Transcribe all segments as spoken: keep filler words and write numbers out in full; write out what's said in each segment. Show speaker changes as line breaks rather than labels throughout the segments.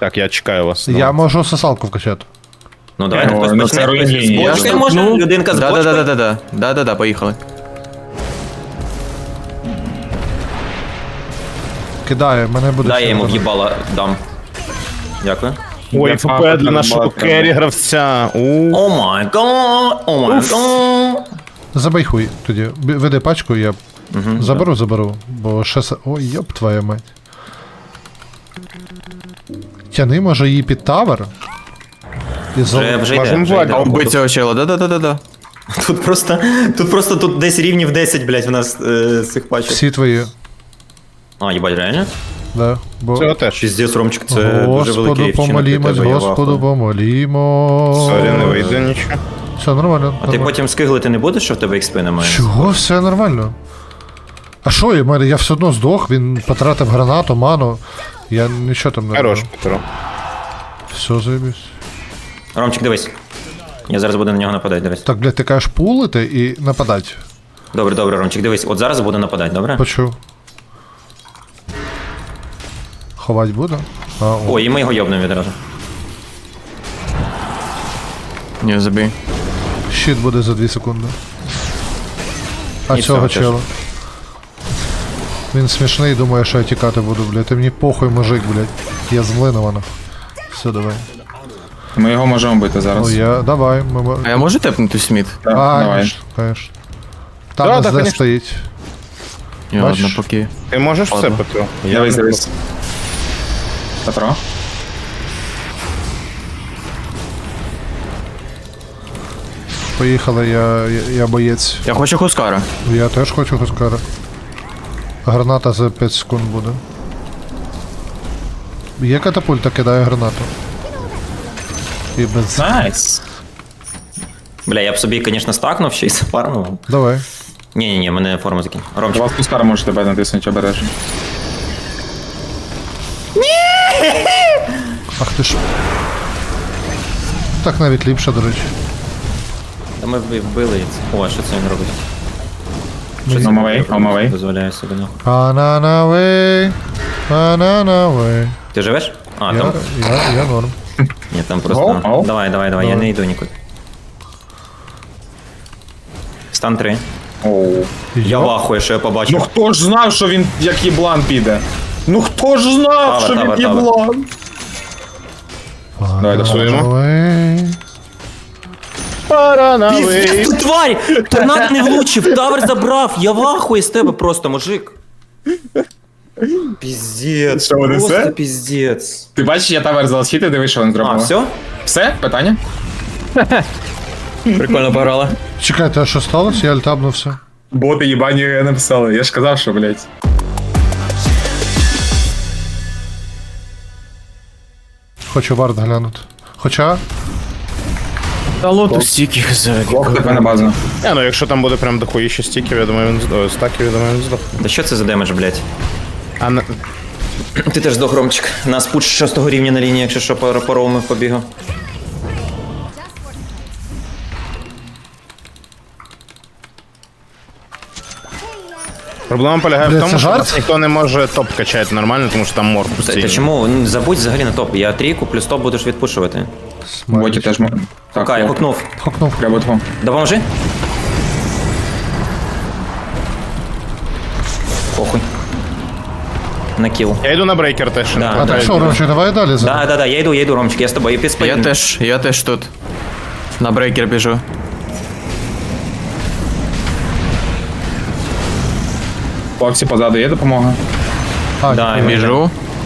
Так, я чекаю вас.
Я можу сосалку вкачати.
Ну давайте
Ой,
хтось
ну
почне.
це
Хтось
руйнівні.
з
Я
бочкою
ж
може?
Ну,
Людинка з
да,
бочкою?
да, да, да, да, да, да, да, поїхали.
Кидаю, мене буде...
Дай я йому
ще один.
в'їбала дам. Дякую.
Ой,
Я
ФП
папа
для нашого
треба.
керрі гравця. У.
О май гад, о май гад.
Забий хуй тоді. Б- Веди пачку, я заберу, заберу. Бо ще... се- Ой, йоп твоя мать. Тяни, може, її під тавер? І зал...
Вже, вже йде,
Можемо
вже
Владі.
йде.
Убий цього чела, да, да, да, да, да.
Тут просто, тут просто тут десь рівнів десять, блядь, в нас е, цих пачок.
Всі твої.
А, їбать, реально?
Да. Бо...
Цього теж.
Піздець, Ромчик, це дуже
Господу
великий вчинок для
помолімось,
тебе, я
Господу
вахую.
помолімо.
Сорі, не вийде нічого.
Все нормально.
А ти
нормально.
потім скиглити не будеш, що в тебе експи немає?
Чого? Все нормально. А що, я, мене- я все одно здох, він потратив гранату, ману. Я нічого там не
Хорош,
робив.
Петро.
Все, заєбісь.
Ромчик, дивись. Я зараз буду на нього нападати, дивись.
Так, блядь, ти кажеш пулити і нападати.
Добре, добре, Ромчик, дивись. От зараз буду нападати, добре?
Почув. Ховать буду? А, о.
О, і ми його йобнемо відразу.
Ні, забій.
Щит буде за дві секунди. А
І
цього
цього теж.
чела. Він смішний, думає, що я тікати буду, блядь. Ти мені похуй, мужик, блядь. Я змлинована. Все, давай.
Ми його можемо бити зараз.
О, я. Давай. Ми... мо-
А я можу тепнути Сміт?
Так,
А,
давай.
конечно, конечно. Там
Да,
нас
да,
де
конечно.
стоїть.
Ні,
Бачиш?
ладно, поки.
Ти можеш все,
Ладно.
Петро?
Дивись, дивись. Петро?
Поїхали, я, я, я боєць.
Я хочу Хускара.
Я теж хочу Хускара. Граната за п'ять секунд буде. Є катапульта, кидаю гранату. І без...
Найс.
Бля, я б собі, звісно, стакнув ще й запарнув.
Давай.
Ні-ні-ні, мене форма закинь. Ромчик.
Вас пускара може тебе натиснути обережно.
Ах ти ж. Так навіть ліпше, до речі.
Та ми вб- вбили їх. О, що це він робить?
On my way, on my way.
Дозволяє собі, ну.
Ананавей, ананавей.
Ти живеш? А,
Я,
там.
я, я норм.
Ні, там просто.
Оу, оу.
Давай, давай, давай, я не йду нікуди. Стан три.
Оу.
Я
Йоп.
вахую, що я побачив.
Ну хто ж знав, що він як їблан піде? Ну хто ж знав,
Тавер,
що
тавер,
він
тавер.
їблан? Давай, досуємо.
Ананавей.
Піздець, ти тварь! Торнадо не влучив, тавер забрав, я вахую з тебе просто, мужик. Піздець,
Що, вони
просто
все?
піздець.
Ти бачиш, я тавер залишити, дивись, що він зробив.
А, все?
Все? Питання?
Прикольно пограла.
Чекайте, а що сталося? Я альтабнувся.
Боти їбані написали, я ж казав, що, блядь.
Хочу вард глянути. Хоча,
Та лоту стільки за.
Лох тебе на базу.
Я, ну якщо там буде прям дохуїще стіків, я думаю, він здох. Стаків, я думаю, він здох.
Да що це за демедж, блядь?
А на...
Ти теж здох, Ромчик. Нас пуч шостого рівня на лінії, якщо що, по паровому побігав.
Проблема полягає
Бля,
в тому,
це
що
жарт?
нас ніхто не може топ качати нормально, тому що там мор
Та,
постійно.
та чому? Ну, забудь взагалі на топ. Я трійку плюс топ будеш відпушувати.
Боті теж можна. Так,
Кай,
лох.
хукнув.
хокнув.
Треба двом.
Допоможи. Похуй. На кіл.
Я йду на брейкер теж.
Да,
А
да.
так що, Ромчик, давай далі за.
Да, да, да, я йду, я йду, Ромчик, я з тобою, я під
Я
спину.
теж, я теж тут. На брейкер біжу.
Хлопці, позаду є допомога?
А,
Да,
ні.
і
Біжу.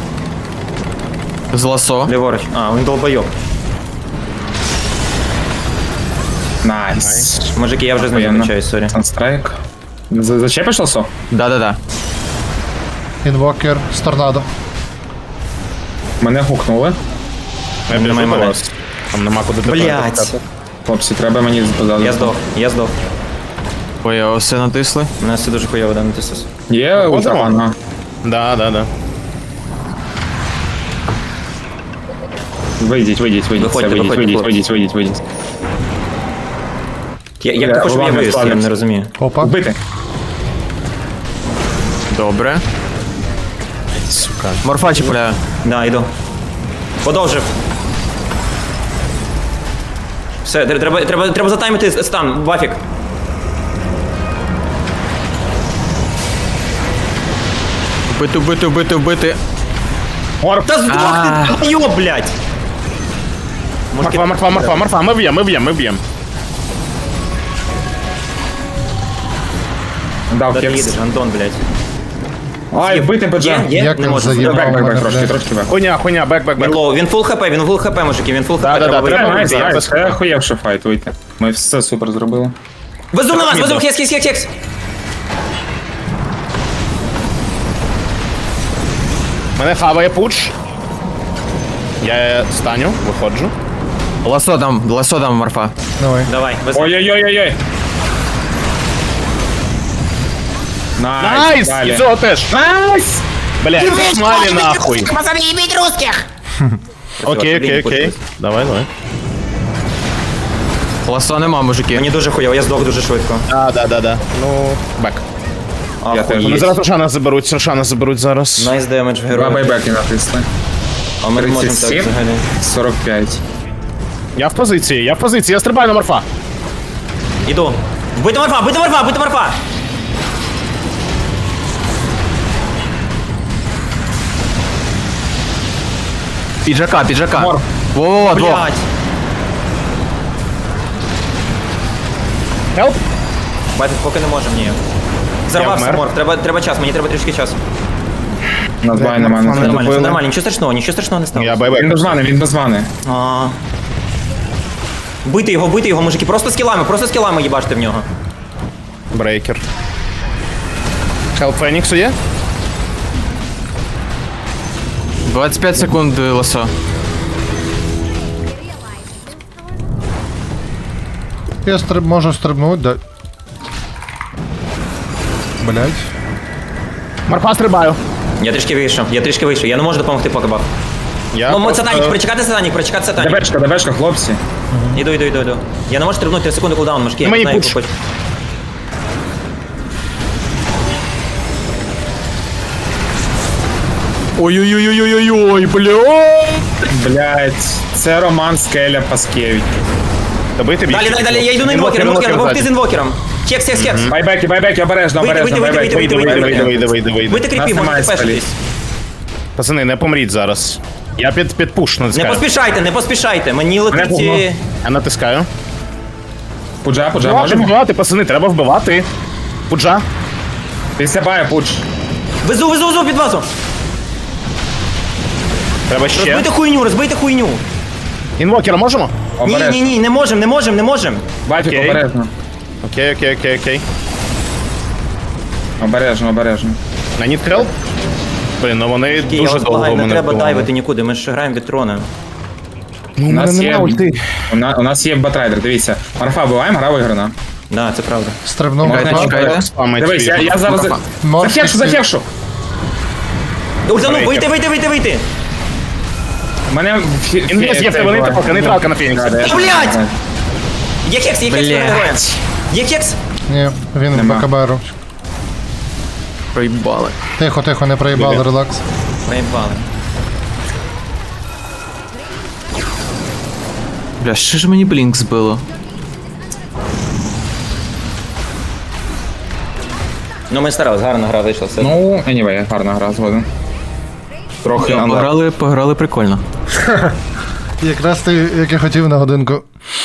З ласо.
Ліворуч. А, він долбойоб.
Найс.
Мужики, я вже з ним
Охуєнно.
закачаюсь, сорі.
Санстрайк. За- Зачепиш лосо?
Да-да-да.
Інвокер з торнадо.
Мене гукнули.
Я біжу
Немає
до
мене.
вас. Там нема куди тепер
Блять.
качати.
Хлопці, треба мені позаду.
Я здох, я здох.
Ой, я все натисли.
У нас все дуже хуйово, да, натисус.
Є ультрафан?
Да, да, да.
Вийдіть, вийдіть, вийдіть,
Виходьте,
все, вийдіть,
виходьте,
вийдіть,
хлопці.
вийдіть, вийдіть, вийдіть.
Я, як
Бля,
ти хочеш, щоб я
ладно,
вивіз, я
ладно.
не розумію.
Опа.
Вбити.
Добре.
Сука.
Морфа чіпляю.
Да, йду. Подовжив. Все, тр- треба, треба, треба затаймити стан, Бафік.
Вбити, вбити, вбити, вбити.
Та здох ти, йо, блядь!
Марфа, марфа, марфа, марфа, ми б'ємо, ми б'ємо, ми б'ємо.
Дав
Де ти
кекс.
їдеш, Антон, блядь?
Ай, вбити
Є,
беджа.
є,
Як
не
він
можу.
заїбав
Бек, бек,
мене,
бек, трошки,
блядь.
трошки бек.
Хуйня, хуйня, бек, бек,
Він
бек.
лоу, він фул хп, він фул хп, мужики, він фул хп,
Да, да,
треба
да, треба
вийти.
вийти.
Найс,
Зараз.
це охуєвший файт, вийти. Ми все супер зробили.
Везу на вас, везу, хекс, хекс, хекс, хекс.
Мене хаває пуч. Я станю, виходжу.
Ласо там, ласо там, Марфа.
Давай.
Давай, везу.
Ой-ой-ой-ой-ой. Найс,
Найс!
далі.
І цього теж. Найс! Блядь, пошмалі нахуй.
Пацаны, ебить русских!
Окей, окей, окей. Давай, давай.
Ласо нема, мужики.
Мені дуже хуйово, я здох дуже швидко.
А, да, да, да. Ну, бек.
Я теж.
Вони зараз Рошана заберуть, Рошана заберуть зараз.
Найс демедж в
Два
героя.
байбеки натисли.
А ми не можемо так
тридцять сім.
взагалі.
сорок п'ять.
Я в позиції, я в позиції, я стрибаю на морфа.
Іду. Бити морфа, бити морфа, бити морфа!
Піджака, піджака.
Мор.
Во-во-во, двох.
Блядь.
Хелп.
Бачить, поки не можемо, ні. Зарвався
вмер.
морф, треба, треба час, мені треба трішки часу.
У нас бай нема.
Це
не
Все нормально, все
добили.
нормально, нічого страшного, нічого страшного не стало.
Я
Він
байбек.
без мани, він без мани.
А. Бити його, бити його, мужики, просто скілами, просто скілами їбаште в нього.
Брейкер. Хелп Феніксу є?
двадцять п'ять секунд е, ласо.
Я стриб... можу стрибнути, да. Блять.
Морфа стрибаю.
Я трішки вийшов, я трішки вийшов, я не можу допомогти поки баф.
Я
Ну,
просто-
сатанік, прочекати сатанік, прочекати сатанік.
Дебешка, дебешка, хлопці.
Іду, іду, іду, іду. Я не можу стрибнути, три секунди кулдаун, мужики, я не
Мені
знаю,
пуш.
як хоч.
Ой-ой-ой-ой-ой-ой, бля.
Блять, це Роман Скеля Паскевич.
Добити більше.
Далі, далі, далі, я йду на інвокера, інвокера, допомогти з інвокером. Хекс, хекс, хекс.
Байбеки, байбеки, обережно,
Вийди,
обережно,
вийди,
байбеки.
вийди,
Вийди, вийди,
Вийди,
вийди, вийди, вийди,
Бити
вийди.
кріпів,
Нас немає
можете пешитись.
Пацани, не помріть зараз. Я під, під пуш
Не
натискаю.
поспішайте, не поспішайте, мені летить...
пугно.
е,
Я натискаю.
Пуджа, пуджа,
Треба
можемо?
вбивати, пацани, треба вбивати. Пуджа.
Після бая, пудж.
Везу, везу, везу під вазу.
Треба ще.
Розбийте хуйню, розбийте хуйню.
Інвокера можемо?
Ні, ні,
Обережно.
ні, не можем, не можем, не можем.
Бафік,
Окей.
обережно.
Окей, окей, окей, окей.
Обережно, обережно.
На need help? Блін, ну вони
Я
дуже
вас
довго
благаю, не
мене
треба
вбивали.
дайвити нікуди, ми ж граємо від трона.
Ну,
У
у мене
нас є,
нема ульти.
у, на, у нас є батрайдер, дивіться. Марфа вбиваємо, гра виграна.
Да, це правда.
Стрибнув.
Можна
Марфа.
чекайте.
Спамить
Дивись, я,
твій.
я зараз... за-
Морф
Захевшу,
під-
захевшу!
Ультану,
Брейкер.
вийти, вийти, вийти, вийти.
Мене... фі-
Він є,
фі-
є,
цей
вони
буває.
типу, нейтралка на Феніксі.
Да, да, я
Та, блядь!
знаю.
Є хекс, є хекс,
Блядь.
героя. Є хекс.
Ні, він в
Нема.
БКБРу.
Проїбали.
Тихо, тихо, не проїбали, релакс.
Наїбали.
Бля, що ж мені блінк збило?
Ну ми старались, гарна гра вийшла, все.
Ну, anyway, гарна гра, згоден. Трохи
Бля,
анда.
Пограли, пограли прикольно.
Якраз ти, як я хотів на годинку.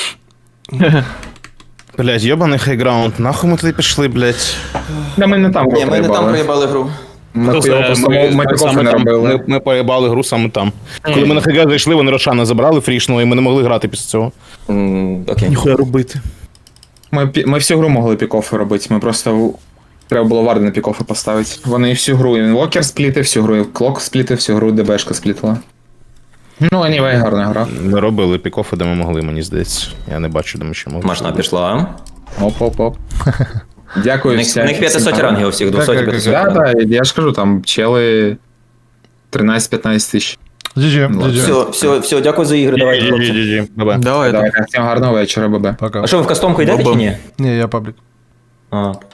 Блядь, йобаний хайграунд. Нахуй ми туди пішли, блядь.
Да, ми не там
Ні, ми не там
проїбали.
проїбали гру.
Ми хуйово просто ми, ми такого
саме
не
там,
робили.
ми, ми поїбали гру саме там. Коли ми на хайгра зайшли, вони Рошана забрали фрішнули, і ми не могли грати після цього.
М, Окей.
Ніхуя робити.
Ми, пі- ми всю гру могли пікофи робити, ми просто в- треба було варди на пікофи поставити. Вони всю гру інвокер сплітив, всю гру клок сплітив, всю гру ДБшка сплітила. Ну, anyway, гарна гра.
Ми робили пікофи, де ми могли, мені здається. Я не бачу, де ми ще могли.
Машина пішла.
Оп-оп-оп.
У
Дякую
них,
всім.
у них п'ятсот рангів у всіх, двісті п'ятсот.
Да, да, я ж кажу, там чели тринадцять-п'ятнадцять тисяч.
джі джі,
Ну,
джі джі.
Все, все, все, дякую за ігри, давайте, хлопці.
Ді-ді-ді-ді. Бабе.
Давай,
Давайте, всім гарного вечора, бабе.
Пока.
А що, ви в кастомку йдете чи ні?
Ні, я паблік.
А,